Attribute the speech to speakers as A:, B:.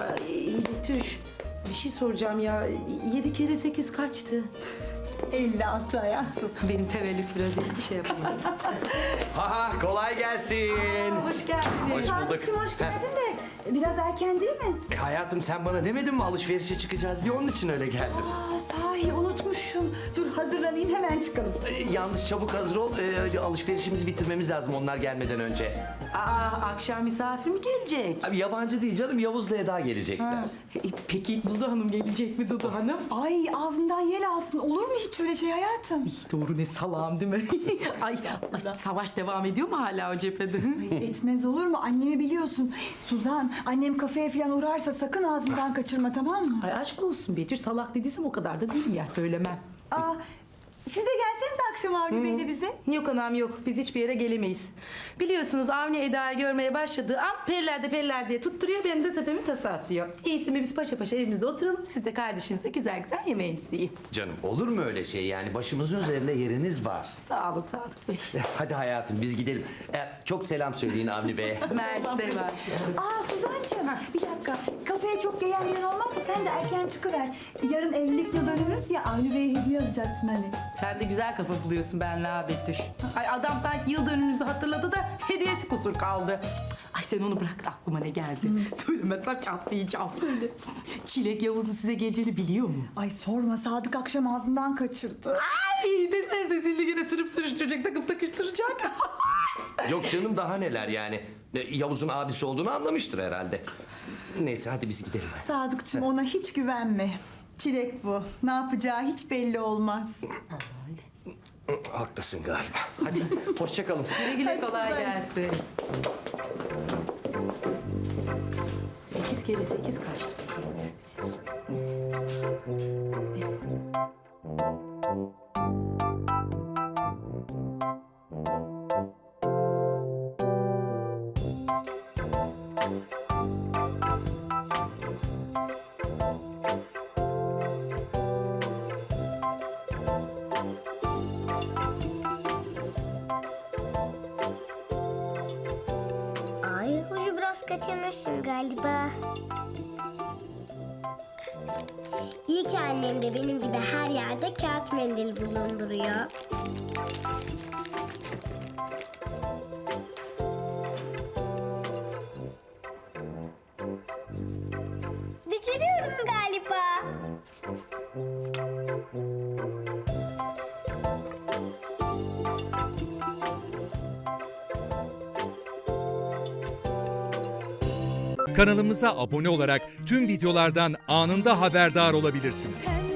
A: Ay Betüş, bir şey soracağım ya. 7 kere 8 kaçtı?
B: 56 hayatım.
A: Benim tevellüt biraz eski, şey yapamadım.
C: Ha kolay gelsin.
A: Hoş geldiniz.
C: Hoş bulduk.
B: Sadıkçım hoş geldin de biraz erken değil mi?
C: Hayatım sen bana demedin mi alışverişe çıkacağız diye, onun için öyle geldim.
B: Sahi unutmuşum. Dur hazırlanayım hemen çıkalım.
C: Yalnız çabuk hazır ol. Alışverişimizi bitirmemiz lazım onlar gelmeden önce.
A: Akşam misafir mi gelecek?
C: Abi yabancı değil canım, Yavuz'la Eda gelecekler.
A: Peki Dudu Hanım gelecek mi Dudu Hanım?
B: Ay ağzından yel alsın. Olur mu hiç öyle şey hayatım?
A: Doğru, ne salağım değil mi? ay, savaş devam ediyor mu hala o cephede?
B: Etmez olur mu? Annemi biliyorsun. Suzan, annem kafeye falan uğrarsa sakın ağzından kaçırma, tamam mı?
A: Ay aşk olsun Betüş, salak dediysem o kadar da değilim ya, söylemem.
B: Aa, siz de gelsenize akşam Avni Bey'le bize.
A: Yok anam yok, biz hiçbir yere gelemeyiz. Biliyorsunuz Avni Eda'yı görmeye başladığı an periler diye tutturuyor, benim de tepemi tasa atlıyor. İyisi mi biz paşa paşa evimizde oturalım, siz de kardeşinizle güzel güzel yemeğinizi yiyin.
C: Canım olur mu öyle şey yani, başımızın üzerinde yeriniz var.
A: Sağ olun Sadık Bey.
C: Hadi hayatım biz gidelim. Çok selam söyleyin Avni Bey'e.
A: Mersi var.
B: Aa Suzancığım bir dakika. Kafeye çok gelen giden olmazsa sen de erken çıkıver. Yarın evlilik yıl dönümümüz ya, Avni Bey'e hediye alacaksın hani.
A: Sen de güzel kafa buluyorsun benle ha Betüş. Ay adam sanki yıl dönümünüzü hatırladı da hediyesi kusur kaldı. Ay sen onu bırak da aklıma ne geldi. Söylemezsem çatlayacağım. Söyle. Çilek Yavuz'u size geleceğini biliyor mu?
B: Ay sorma, Sadık akşam ağzından kaçırdı.
A: Ay desene sesini yine sürüp sürüştürecek, takıp takıştıracak.
C: Yok canım daha neler yani. Yavuz'un abisi olduğunu anlamıştır herhalde. Neyse hadi biz gidelim.
B: Sadıkçım ona hiç güvenme. Çilek bu. Ne yapacağı hiç belli olmaz.
C: Haklısın galiba. Hadi hoşça kalın.
A: Güle güle, kolay gelsin. 8 kere 8 kaçtı peki?
D: Ay hoca biraz kaçırmışım galiba. İyi ki annem de benim gibi her yerde kağıt mendil bulunduruyor. Beceriyorum galiba.
E: Kanalımıza abone olarak tüm videolardan anında haberdar olabilirsiniz.